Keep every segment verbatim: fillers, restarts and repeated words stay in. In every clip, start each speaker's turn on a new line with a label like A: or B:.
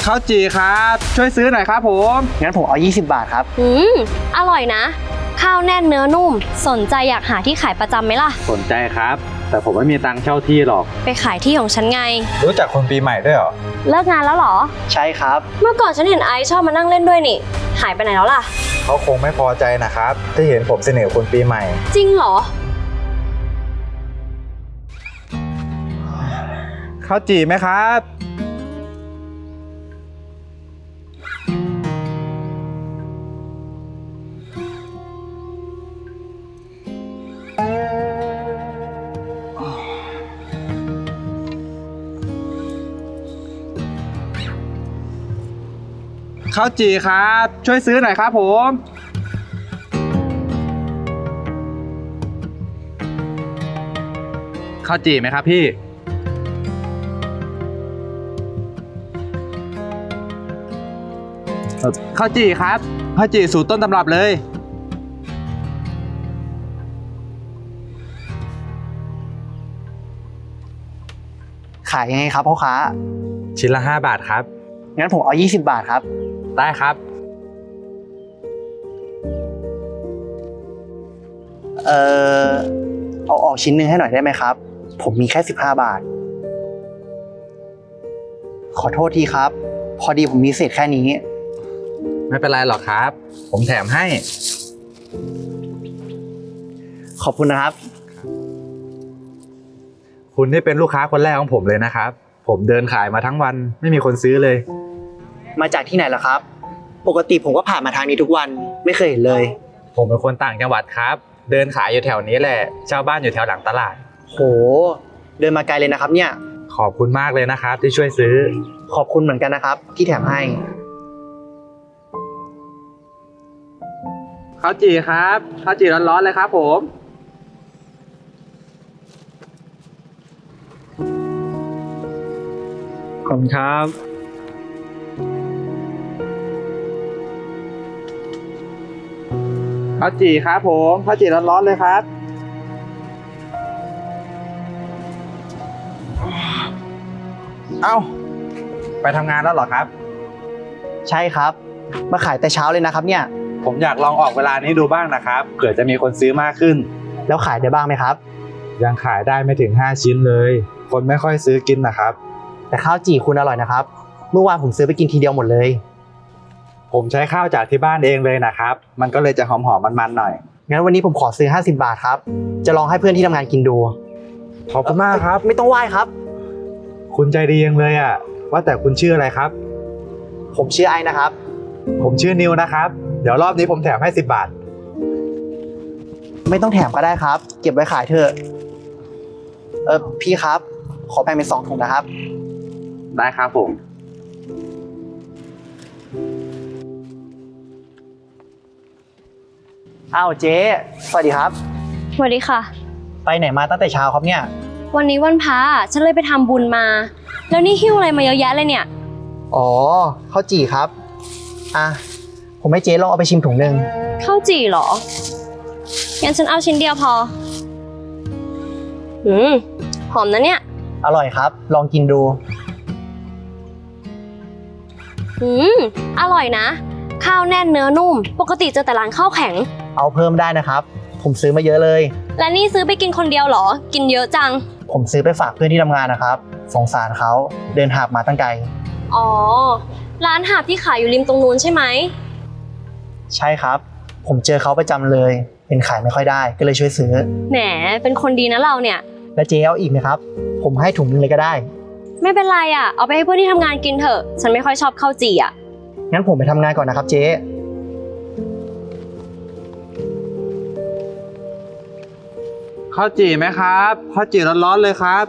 A: ข้าวจี่ครับช่วยซื้อหน่อยครับผม
B: งั้นผมเอายี่สิบบาทครับ
C: อืมอร่อยนะข้าวแน่นเนื้อนุ่มสนใจอยากหาที่ขายประจำไหมล่ะ
A: สนใจครับแต่ผมไม่มีตังค์เช่าที่หรอก
C: ไปขายที่ของฉันไง
A: รู้จักคนปีใหม่ด้วยเหรอ
C: เลิกงานแล้วเหรอ
B: ใช่ครับ
C: เมื่อก่อนฉันเห็นไอซ์ชอบมานั่งเล่นด้วยนี่หายไปไหนแล้วล่ะ
A: เขาคงไม่พอใจนะครับที่เห็นผมเสนอคนปีใหม่
C: จริงเหรอ
A: ข้าวจี่ไหมครับข้าวจี่ครับช่วยซื้อหน่อยครับผมข้าวจี่ไหมครับพี่ข้าวจี่ครับข้าวจี่สูตรต้นตำรับเลย
B: ขายยังไงครับพ่อค้า
A: ชิ้นละห้าบาทครับ
B: งั้นผมเอายี่สิบบาทครับ
A: ได้ครับ
B: เอ่อเอาออกชิ้นหนึ่งให้หน่อยได้ไหมครับผมมีแค่สิบห้าบาทขอโทษทีครับพอดีผมมีเศษแค่นี้
A: ไม่เป็นไรหรอกครับผมแถมให้
B: ขอบคุณนะครับ
A: คุณนี่เป็นลูกค้าคนแรกของผมเลยนะครับผมเดินขายมาทั้งวันไม่มีคนซื้อเลย
B: มาจากที่ไหนล่ะครับปกติผมก็ผ่านมาทางนี้ทุกวันไม่เคยเห็นเลย
A: ผมเป็นคนต่างจังหวัดครับเดินขายอยู่แถวนี้แหละเช่าบ้านอยู่แถวหลังตลาด
B: โหเดินมาไกลเลยนะครับเนี่ย
A: ขอบคุณมากเลยนะครับที่ช่วยซื้อ
B: ขอบคุณเหมือนกันนะครับที่แถมให้
A: ข้าวจี่ครับข้าวจี่ร้อนๆเลยครับผมขอบคุณครับข้าวจี่ครับผมข้าวจี่ร้อนๆเลยครับเอ้าไปทำงานแล้วเหรอครับ
B: ใช่ครับมาขายแต่เช้าเลยนะครับเนี่ย
A: ผมอยากลองออกเวลานี้ดูบ้างนะครับเผื่อจะมีคนซื้อมากขึ้น
B: แล้วขายได้บ้างไหมครับ
A: ยังขายได้ไม่ถึงห้าชิ้นเลยคนไม่ค่อยซื้อกินนะครับ
B: แต่ข้าวจี่คุณอร่อยนะครับเมื่อวานผมซื้อไปกินทีเดียวหมดเลย
A: ผมใช้ข้าวจากที่บ้านเองเลยนะครับมันก็เลยจะหอมๆมันๆหน่อย
B: งั้นวันนี้ผมขอซื้อห้าสิบบาทครับจะลองให้เพื่อนที่ทำงานกินดู
A: ขอบคุณมากครับ
B: ไม่ต้องไหว้ครับ
A: คุณใจดียังเลยอ่ะว่าแต่คุณชื่ออะไรครับ
B: ผมชื่อไอนะครับ
A: ผมชื่อนิวนะครับเดี๋ยวรอบนี้ผมแถมให้สิบบาท
B: ไม่ต้องแถมก็ได้ครับเก็บไว้ขายเถอะเออพี่ครับขอแบ่งเป็นสองถุงนะครับ
A: ได้ครับผม
B: อ้าวเจ๊สวัสดีครับ
C: สวัสดีค่ะ
B: ไปไหนมาตั้งแต่เช้าครับเนี่ย
C: วันนี้วันพระฉันเลยไปทำบุญมาแล้วนี่หิ้วอะไรมาเยอะแยะเลยเนี่ย
B: อ๋อข้าวจี่ครับอ่ะผมให้เจ๊ลองเอาไปชิมถุงหนึ่ง
C: ข้าวจี่เหรองั้นฉันเอาชิ้นเดียวพออืมหอมนะเนี่ย
B: อร่อยครับลองกินดู
C: อืมอร่อยนะข้าวแน่นเนื้อนุ่มปกติเจอแต่ร้านข้าวแข็ง
B: เอาเพิ่มได้นะครับผมซื้อมาเยอะเลย
C: และนี่ซื้อไปกินคนเดียวเหรอกินเยอะจัง
B: ผมซื้อไปฝากเพื่อนที่ทำงานนะครับสงสารเขาเดินหาบมาตั้งไกล
C: อ๋อร้านหาบที่ขายอยู่ริมตรงนู้นใช่ไหม
B: ใช่ครับผมเจอเขาประจำเลยเป็นขายไม่ค่อยได้ก็เลยช่วยซื้อ
C: แหมเป็นคนดีนะเราเนี่ย
B: แล้วเจ๊เอาอีกไหมครับผมให้ถุงนึงเลยก็ได้
C: ไม่เป็นไรอ่ะเอาไปให้เพื่อนที่ทำงานกินเถอะฉันไม่ค่อยชอบข้าวจี่อ่ะ
B: งั้นผมไปทำงานก่อนนะครับเจ๊
A: ข้าวจี่ไหมครับข้าวจี่ร้อนๆเลยครับ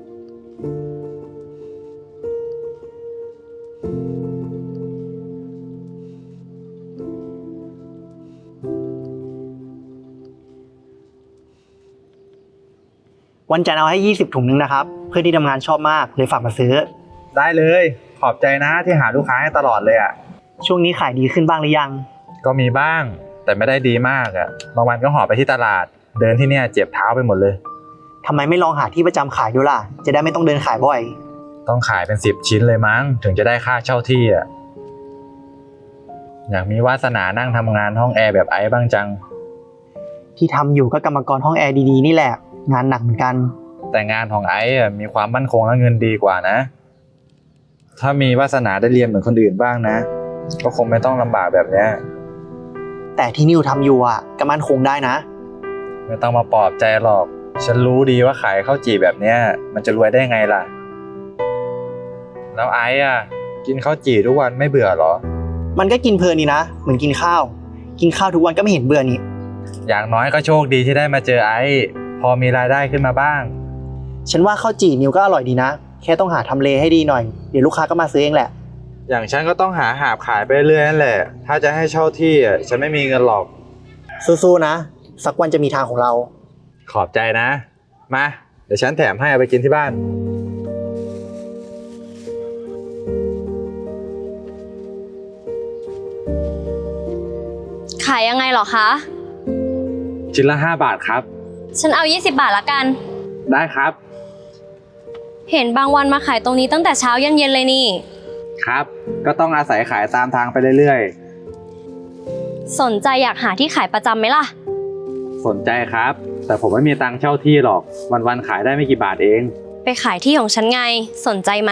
B: วันจันทร์เอาให้ยี่สิบถุงนึงนะครับเพื่อนที่ทำงานชอบมากเลยฝากมาซื้อ
A: ได้เลยขอบใจนะที่หาลูกค้าให้ตลอดเลยอ่ะ
B: ช่วงนี้ขายดีขึ้นบ้างหรือยัง
A: ก็มีบ้างแต่ไม่ได้ดีมากอ่ะบางวันก็หอบไปที่ตลาดเดินที่เนี่ยเจ็บเท้าไปหมดเลย
B: ทำไมไม่ลองหาที่ประจำขายดูล่ะจะได้ไม่ต้องเดินขายบ่อย
A: ต้องขายเป็นสิบชิ้นเลยมั้งถึงจะได้ค่าเช่าที่อ่ะอยากมีวาสนานั่งทำงานห้องแอร์แบบไอ้บ้างจัง
B: ที่ทำอยู่ก็กรรมกรห้องแอร์ดีๆนี่แหละ งานหนักเหมือนกัน
A: แต่งานของไอ้อะมีความมั่นคงและเงินดีกว่านะ ถ้ามีวาสนาได้เรียนเหมือนคนอื่นบ้างนะ ก็คงไม่ต้องลำบากแบบเนี้ย
B: แต่ที่นิวทำอยู่อ่ะก็มั่นคงได้นะ
A: ไม่ต้องมาปลอบใจหรอก ฉันรู้ดีว่าขายข้าวจี่แบบเนี้ยมันจะรวยได้ไงล่ะ แล้วไอ้อ่ะกินข้าวจี่ทุกวันไม่เบื่อหรอ
B: มันก็กินเพลินนี่นะ เหมือนกินข้าว กินข้าวทุกวันก็ไม่เห็นเบื่อนี่
A: อย่างน้อยก็โชคดีที่ได้มาเจอไอ้พอมีรายได้ขึ้นมาบ้าง
B: ฉันว่าข้าวจี่นิวก็อร่อยดีนะ แค่ต้องหาทำเลให้ดีหน่อย เดี๋ยวลูกค้าก็มาซื้อเองแหละ
A: อย่างฉันก็ต้องหาหาบขายไปเรื่อยนั่นแหละ ถ้าจะให้เช่าที่อ่ะฉันไม่มีเงินหรอก
B: สู้ๆนะ สักวันจะมีทางของเรา
A: ขอบใจนะ มา เดี๋ยวฉันแถมให้เอาไปกินที่บ้าน
C: ขายยังไงเหรอคะ
A: ชิ้นละห้าบาทครับ
C: ฉันเอายี่สิบบาทละกัน
A: ได้ครับ
C: เห็นบางวันมาขายตรงนี้ตั้งแต่เช้ายันเย็นเลยนี่
A: ครับ ก็ต้องอาศัยขายตามทางไปเรื่อย
C: สนใจอยากหาที่ขายประจำไหมล่ะ
A: ๆ สนใจครับ แต่ผมไม่มีตังค์เช่าที่หรอก วันๆขายได้ไม่กี่บาทเอง
C: ไปขายที่ของฉันไง สนใจไหม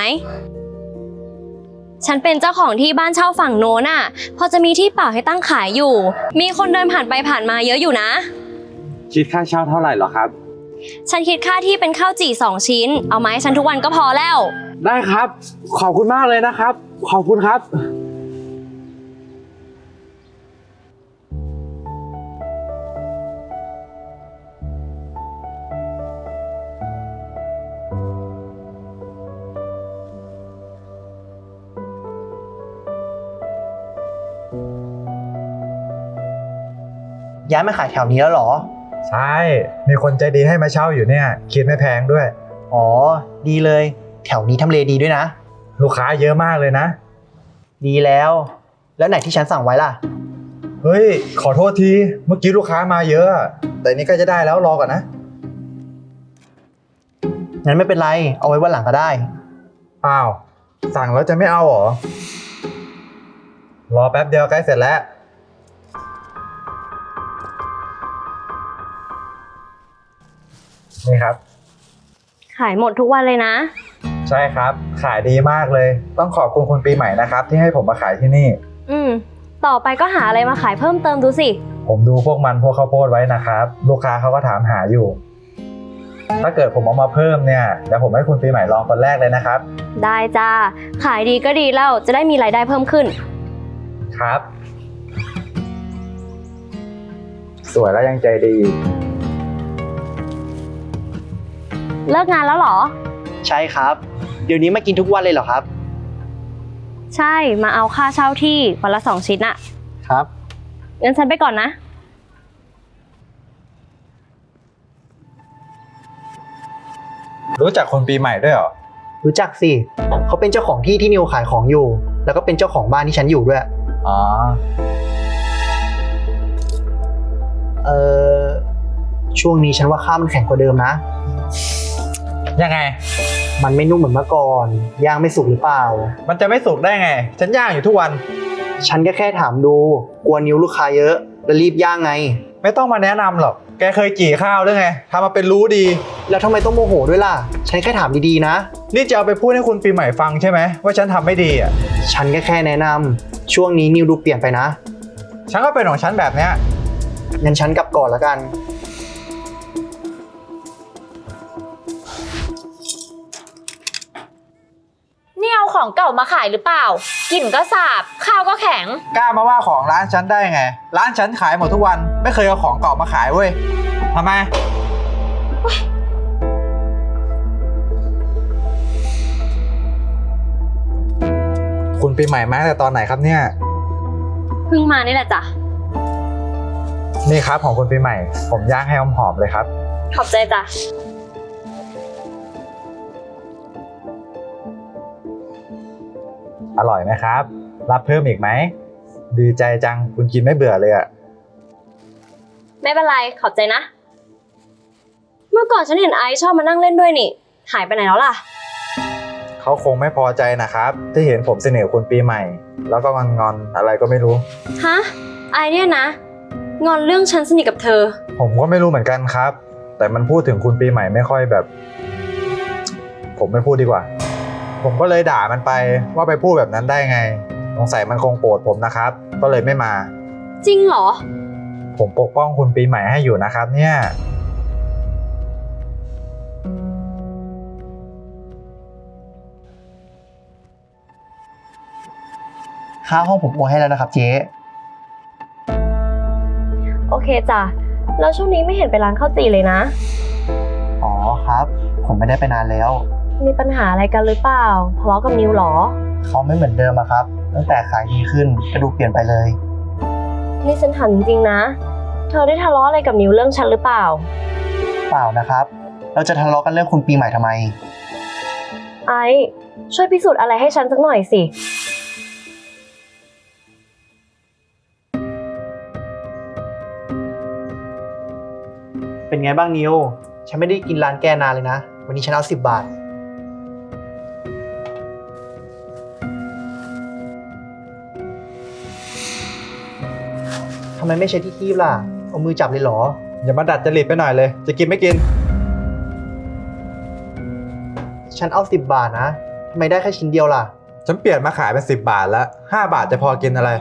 C: ฉันเป็นเจ้าของที่บ้านเช่าฝั่งโน้นน่ะ พอจะมีที่เปล่าให้ตั้งขายอยู่ มีคนเดินผ่านไปผ่านมาเยอะอยู่นะ
A: คิดค่าเช่าเท่าไหร่หรอครับ
C: ฉันคิดค่าที่เป็นข้าวจี่สองชิ้น เอามาให้ฉันทุกวันก็พอแล้ว
A: ได้ครับ ขอบคุณมากเลยนะครับ ขอบคุณครับ
B: ย้ายมาขายแถวนี้แล้วเหรอ
A: ใช่ มีคนใจดีให้มาเช่าอยู่เนี่ย คิดไม่แพงด้วย
B: อ๋อ ดีเลย แถวนี้ทำเลดีด้วยนะ
A: ลูกค้าเยอะมากเลยนะ
B: ดีแล้ว แล้วไหนที่ฉันสั่งไว้ล่ะ
A: เฮ้ย ขอโทษที เมื่อกี้ลูกค้ามาเยอะ แต่นี้ก็จะได้แล้วรอก่อนนะ
B: งั้นไม่เป็นไร เอาไว้วันหลังก็ได้
A: อ้าว สั่งแล้วจะไม่เอาเหรอ รอแป๊บเดียวใกล้เสร็จแล้ว นี่ครับ
C: ขายหมดทุกวันเลยนะ
A: ใช่ครับ ขายดีมากเลย ต้องขอบคุณคุณปีใหม่นะครับ ที่ให้ผมมาขายที่นี่
C: อืม ต่อไปก็หาอะไรมาขายเพิ่มเติมดูสิ
A: ผมดูพวกมันพวกข้าวโพดไว้นะครับ ลูกค้าเขาก็ถามหาอยู่ ถ้าเกิดผมเอามาเพิ่มเนี่ยเดี๋ยวผมให้คุณปีใหม่ลองคนแรกเลยนะครับ
C: ได้จ้า ขายดีก็ดีแล้ว จะได้มีรายได้เพิ่มขึ้น
A: ครับ สวยแล้วยังใจดี
C: เลิกงานแล้วเหรอ
B: ใช่ครับ เดี๋ยวนี้มากินทุกวันเลยเหรอครับ
C: ใช่ มาเอาค่าเช่าที่วันละสองชิ้นอะ
B: ครับ
C: งั้นฉันไปก่อนนะ
A: รู้จักคนปีใหม่ด้วยเหรอ
B: รู้จักสิ เขาเป็นเจ้าของที่ที่นิวขายของอยู่ แล้วก็เป็นเจ้าของบ้านที่ฉันอยู่ด้วย
A: อ๋อ
B: เออช่วงนี้ฉันว่าข้าวมันแข็งกว่าเดิมนะ
A: ยังไง
B: มันไม่นุ่มเหมือนเมื่อก่อน ย่างไม่สุกหรือเปล่า
A: มันจะไม่สุกได้ไง ฉันย่างอยู่ทุกวัน
B: ฉันก็แค่ถามดู กลัวนิ้วลูกค้าเยอะ แล้วรีบย่างไง
A: ไม่ต้องมาแนะนำหรอก แกเคยจี่ข้าวด้วยไงทำมาเป็นรู้ดี
B: แล้วทำไมต้องโมโหด้วยล่ะ ฉันแค่ถามดีๆนะ
A: นี่จะเอาไปพูดให้คุณปีใหม่ฟังใช่ไหมว่าฉันทำไม่ดีอ่ะ
B: ฉันก็แค่แนะนำช่วงนี้นิวดูเปลี่ยนไปนะ
A: ฉันก็เป็นของฉันแบบเนี้ย
B: งั้นฉันกลับก่อนละกัน
D: นี่เอาของเก่ามาขายหรือเปล่า กลิ่นก็สาบ ข้าวก็แข็ง
A: กล้ามาว่าของร้านฉันได้ไง ร้านฉันขายหมดทุกวัน ไม่เคยเอาของเก่ามาขายเว้ยทำไม คุณปีใหม่มาตั้งแต่ตอนไหนครับเนี่ย
C: เพิ่งมานี่แหละจ้ะ
A: นี่ครับของคุณปีใหม่ ผมย่างให้หอมๆเลยครับ
C: ขอบใจจ้ะ
A: อร่อยไหมครับ รับเพิ่มอีกไหม ดีใจจังคุณกินไม่เบื่อเลยอะ
C: ไม่เป็นไร ขอบใจนะ เมื่อก่อนฉันเห็นไอซ์ชอบมานั่งเล่นด้วยนี่ หายไปไหนแล้วล่ะ
A: เขเขาคงไม่พอใจนะครับ ที่เห็นผมเสนอคุณปีใหม่ แล้วก็งอนๆอะไรก็ไม่รู้
C: ฮะ ไอเนี่ยนะ งอนเรื่องฉันสนิทกับเธอ
A: ผมก็ไม่รู้เหมือนกันครับ แต่มันพูดถึงคุณปีใหม่ไม่ค่อยแบบ ผมไม่พูดดีกว่า ผมก็เลยด่ามันไปว่าไปพูดแบบนั้นได้ไงสงสัยมันคงโกรธผมนะครับ ก็เลยไม่มา
C: จริงเหรอ
A: ผมปกป้องคุณปีใหม่ให้อยู่นะครับเนี่ย
B: ค่าห้องผมโอนให้แล้วนะครับเจ๊
C: โอเคจ้ะ แล้วช่วงนี้ไม่เห็นไปร้านข้าวจี่เลยนะ
B: อ๋อครับ ผมไม่ได้ไปนานแล้ว
C: มีปัญหาอะไรกันหรือเปล่า ทะเลาะกับนิวเหรอ
B: เขาไม่เหมือนเดิมอะครับ ตั้งแต่ขายดีขึ้นก็ดูเปลี่ยนไปเลย
C: นี่ฉันถามจริงๆนะ เธอได้ทะเลาะอะไรกับนิวเรื่องฉันหรือเปล่า
B: เปล่านะครับ เราจะทะเลาะกันเรื่องคุณปีใหม่ทำไม
C: ไอซ์ช่วยพิสูจน์อะไรให้ฉันสักหน่อยสิ
B: เป็นไงบ้างนิว ฉันไม่ได้กินร้านแกนานเลยนะ วันนี้ฉันเอาสิบบาท ทำไมไม่ใช้ที่คีบล่ะ เอามือจับเลยเหรอ
A: อย่ามาดัดจริตไปหน่อยเลย จะกินไม่กิน
B: ฉันเอาสิบบาทนะ ทำไมได้แค่ชิ้นเดียวล่ะ
A: ฉันเปลี่ยนมาขายเป็นสิบบาทแล้วห้าบาทจะพอกินอะไร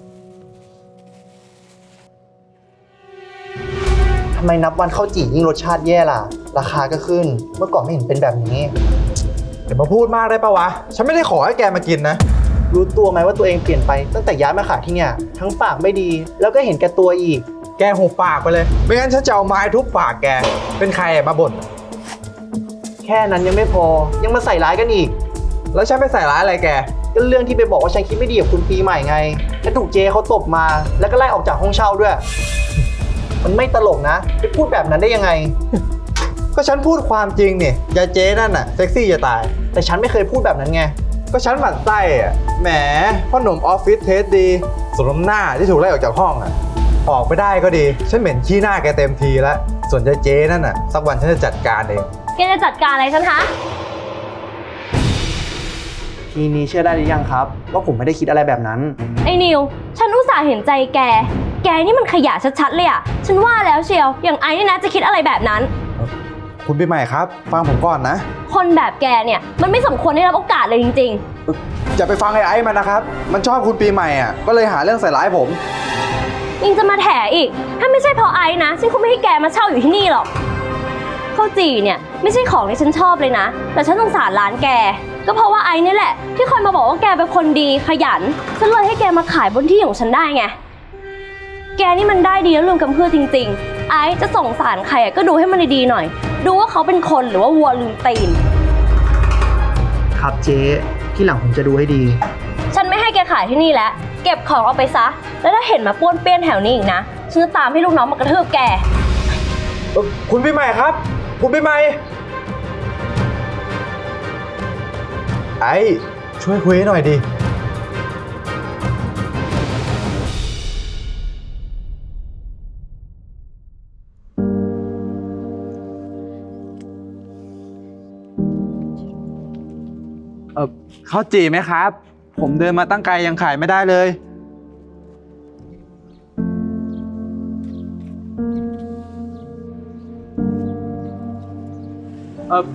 B: ทำไมนับวันข้าวจี่ยิ่งรสชาติแย่ล่ะ ราคาก็ขึ้น เมื่อก่อนไม่เห็นเป็นแบบนี้
A: เดี๋ยวมาพูดมากได้ปะวะ ฉันไม่ได้ขอให้แกมากินนะ
B: รู้ตัวไหมว่าตัวเองเปลี่ยนไปตั้งแต่ย้ายมาขายที่เนี่ย ทั้งปากไม่ดี แล้วก็เห็นแก่ตัวอีก
A: แกหุบปากไปเลย ไม่งั้นฉันจะเอาไม้ทุบปากแก เป็นใครอะมาบ่น
B: แค่นั้นยังไม่พอ ยังมาใส่ร้ายกันอีก
A: แล้วฉันไปใส่ร้ายอะไรแก
B: ก็เรื่องที่ไปบอกว่าฉันคิดไม่ดีกับคุณปีใหม่ไงแล้วถูกเจเขาตบมา แล้วก็ไล่ออกจากห้องเช่าด้วย มันไม่ตลกนะไปพูดแบบนั้นได้ยังไง
A: ก็ฉันพูดความจริงนี่ยายเจ๊นั่นน่ะเซ็กซี่จะตาย
B: แต่ฉันไม่เคยพูดแบบนั้นไง
A: ก็ฉันหมั่นไส้อะแหมพ่อหนุ่มออฟฟิศเทสดีสมน้ำหน้าที่ถูกไล่ออกจากห้องอะออกไปได้ก็ดี ฉันเหม็นขี้หน้าแกเต็มทีแล้ว ส่วนยายเจ๊นั่นน่ะสักวันฉันจะจัดการเอง
C: แกจะจัดการอะไรฉันคะ
B: ทีนี้เชื่อได้หรือยังครับ ว่าผมไม่ได้คิดอะไรแบบนั้น
C: ไอ้นิว ฉันอุตส่าห์เห็นใจแก แกนี่มันขยะชัดๆเลยอะฉันว่าแล้วเชียว อย่างไอ้นี่นะจะคิดอะไรแบบนั้น
A: คุณปีใหม่ครับ ฟังผมก่อนนะ
C: คนแบบแกเนี่ยมันไม่สมควรได้รับโอกาสเลยจริง
A: อย่าไปฟังไอ้ไอ้มันนะครับ มันชอบคุณปีใหม่อ่ะก็เลยหาเรื่องใส่ร้ายผม
C: ๆยังจะมาแถอีก ถ้าไม่ใช่เพราะไอ้นะฉันคงไม่ให้แกมาเช่าอยู่ที่นี่หรอกข้าวจี่เนี่ยไม่ใช่ของที่ฉันชอบเลยนะ แต่ฉันสงสารร้านแก ก็เพราะว่าไอ้นี่แหละที่คอยมาบอกว่าแกเป็นคนดีขยัน ฉันเลยให้แกมาขายบนที่ของฉันได้ไง แกนี่มันได้ดีแล้วลืมกำเพื่อจริงๆ ไอ้จะส่งสารใครอะก็ดูให้มันดีๆหน่อย ดูว่าเขาเป็นคนหรือว่าวัวลืมตีน
B: ครับเจ๊ที่หลังผมจะดูให้ดี
C: ฉันไม่ให้แกขายที่นี่แล้ว เก็บของเอาไปซะ แล้วถ้าเห็นมาป้วนเปี้ยนแถวนี้อีกนะ ฉันจะตามให้ลูกน้องมากระทืบแก
A: เอ่อคุณปีใหม่ครับ คุณปีใหม่ ไอ้ช่วยคุยให้หน่อยดิ เออข้าวจี่ไหมครับ ผมเดินมาตั้งไกลยังขายไม่ได้เลย เออ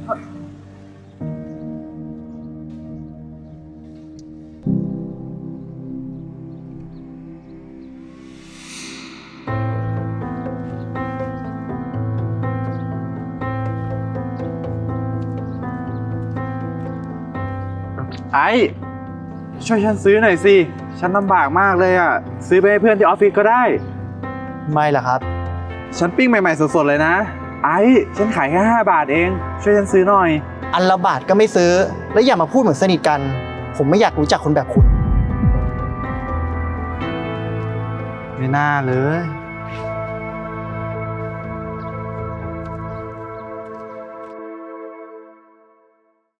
A: ไอ้ช่วยฉันซื้อหน่อยสิ ฉันลำบากมากเลยอ่ะ ซื้อไปให้เพื่อนที่ออฟฟิศก็ได้
B: ไม่ล่ะครับ
A: ฉันปิ้งใหม่ๆสดๆเลยนะ ไอ้ฉันขายแค่ห้าบาทเอง ช่วยฉันซื้อหน่อย
B: อันละบาทก็ไม่ซื้อ แล้วอย่ามาพูดเหมือนสนิทกัน ผมไม่อยากรู้จักคนแบบคุณ
A: ไม่น่าเลย